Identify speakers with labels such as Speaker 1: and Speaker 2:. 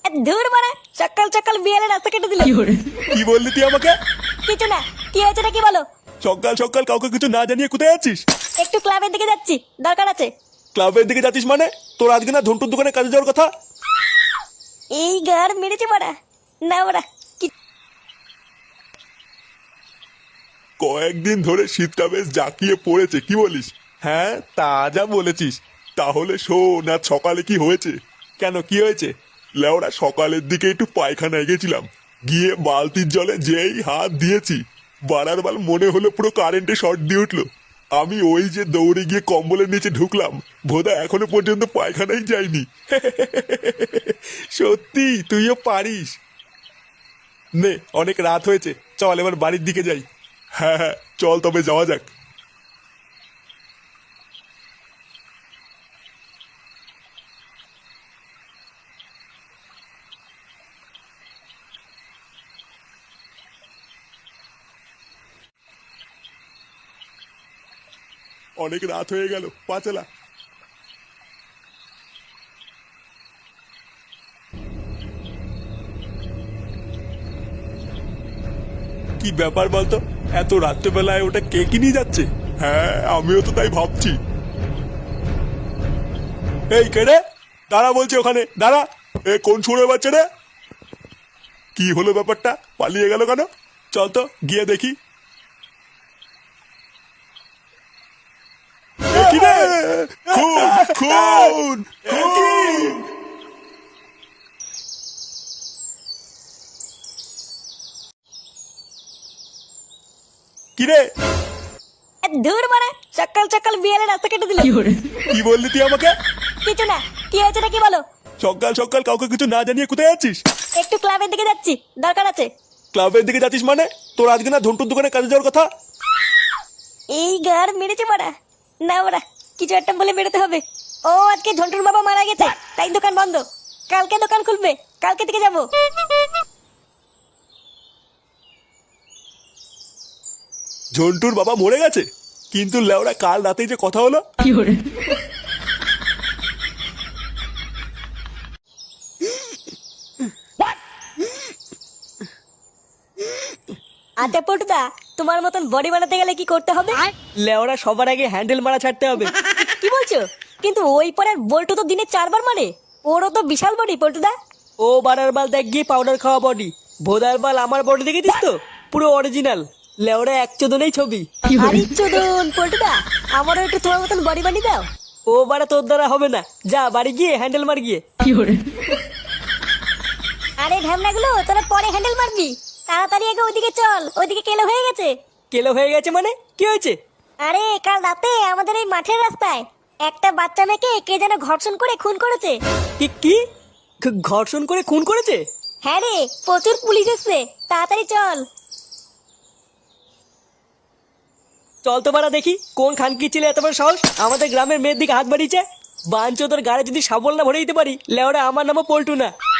Speaker 1: ধুর মারা, সকাল সকাল বিয়ালে রাস্তা কেটে দিল।
Speaker 2: কি বললি তুই আমাকে?
Speaker 1: কিছু না, কি হয়েছে নাকি বলো।
Speaker 2: সকাল সকাল কাউকে কিছু না জানিয়ে কোথায় যাচ্ছিস?
Speaker 1: একটু ক্লাবের দিকে যাচ্ছি, দরকার আছে।
Speaker 2: ক্লাবের দিকে যাচ্ছিস মানে? তোর আজকে না ঝন্টুর দোকানে কাজে যাওয়ার কথা।
Speaker 1: এই গার মেরেছে মারা। না মারা,
Speaker 2: কয়েকদিন ধরে শীতটা বেশ জাঁকিয়ে পড়েছে, কি বলিস? হ্যাঁ তা যা বলেছিস। তাহলে শোন, আজ সকালে কি হয়েছে? কেন, কি হয়েছে? লেওড়া সকালের দিকে একটু পায়খানায় গেছিলাম, গিয়ে বালতির জলে যেই হাত দিয়েছি, বাড়ার বাল মনে হলো পুরো কারেন্টে শর্ট দিয়ে উঠলো। আমি ওই যে দৌড়ে গিয়ে কম্বলের নিচে ঢুকলাম, ভোদা এখনো পর্যন্ত পায়খানায় যায়নি। সত্যি তুইও পারিস। নে, অনেক রাত হয়েছে, চল এবার বাড়ির দিকে যাই। হ্যাঁ হ্যাঁ, চল তবে যাওয়া যাক। অনেক রাত হয়ে গেল, পা চালা। কি ব্যাপার বলতো, এত রাত্রেবেলায় ওটা কে কি নিয়ে যাচ্ছে? হ্যাঁ আমিও তো তাই ভাবছি। এই কে রে? দাঁড়া বলছি, ওখানে দাঁড়া। এ কোন সুরে বাচ্চা রে? কি হলো ব্যাপারটা, পালিয়ে গেল কেন? চল তো গিয়ে দেখি। এ কি রে? খুন খুন খুন! কি রে?
Speaker 1: ধুর মারা, সকাল সকাল বিয়ালে রাস্তা কেটে দিল।
Speaker 2: কি বললি তুই আমাকে?
Speaker 1: কিছু না, কি হয়েছে নাকি বলো।
Speaker 2: সকাল সকাল কাউকে কিছু না জানিয়ে কোথায় যাচ্ছিস?
Speaker 1: একটু ক্লাবের দিকে যাচ্ছি, দরকার আছে।
Speaker 2: ক্লাবের দিকে যাচ্ছিস মানে? তোর আজকে না ঝন্টুর দোকানে কাজে যাওয়ার কথা।
Speaker 1: এই গার মেরেছে মারা। না মারা, কিছু একটা বলে বেরোতে হবে। ও আজকে ঝন্টুর বাবা মারা গেছে, তাই দোকান বন্ধ। কালকে দোকান খুলবে, কালকে থেকে যাবো।
Speaker 2: ঝন্টুর বাবা মরে গেছে? কিন্তু লেওড়া কাল রাতেই যে কথা হলো।
Speaker 1: আচ্ছা পটুদা, তোমার মতন বডি বানাতে গেলে কি করতে হবে?
Speaker 3: লেওরা সবার আগে হ্যান্ডেল মারা ছাড়তে হবে।
Speaker 1: কি বলছো? কিন্তু ওই পরের বল্টু তো দিনে 4 বার মানে। ওরও তো বিশাল বডি পটুদা।
Speaker 3: ও বারার বাল দেখ গিয়ে পাউডার খাওয়া বডি, ভোদার বাল আমার বডি দেখেছিস তো, পুরো অরিজিনাল। লেওরা এক চোদনেই ছবি।
Speaker 1: আরে চোদন পটুদা, আমারও একটু তোমার মতন বডি বানিয়ে দাও।
Speaker 3: ও বারা তোর দ্বারা হবে না, যা বাড়ি গিয়ে হ্যান্ডেল মার গিয়ে।
Speaker 1: আরে ঢ্যামনাগুলো, তোরা পরে হ্যান্ডেল মারবি। তাড়াতাড়ি আগে ওইদিকে চল, ওইদিকে কেলো হয়ে গেছে।
Speaker 3: কেলো হয়ে গেছে মানে কি হয়েছে?
Speaker 1: আরে কাল রাতে আমাদের এই মাঠের রাস্তায় একটা বাচ্চা মেয়েকে কে যেন ঘর্ষণ করে খুন করেছে।
Speaker 3: কি কি ঘর্ষণ করে খুন করেছে?
Speaker 1: হ্যাঁ রে, প্রচুর পুলিশ এসছে, তাড়াতাড়ি চল।
Speaker 3: চল তো বারা দেখি কোন খানকি ছেলে এত বড় সাহস আমাদের গ্রামের মেয়ের দিকে হাত বাড়িয়েছে। বাঞ্চোদর গাড়ি যদি সাবল না ভরে দিতে পারি, লেওরা আমার নামও পল্টু না।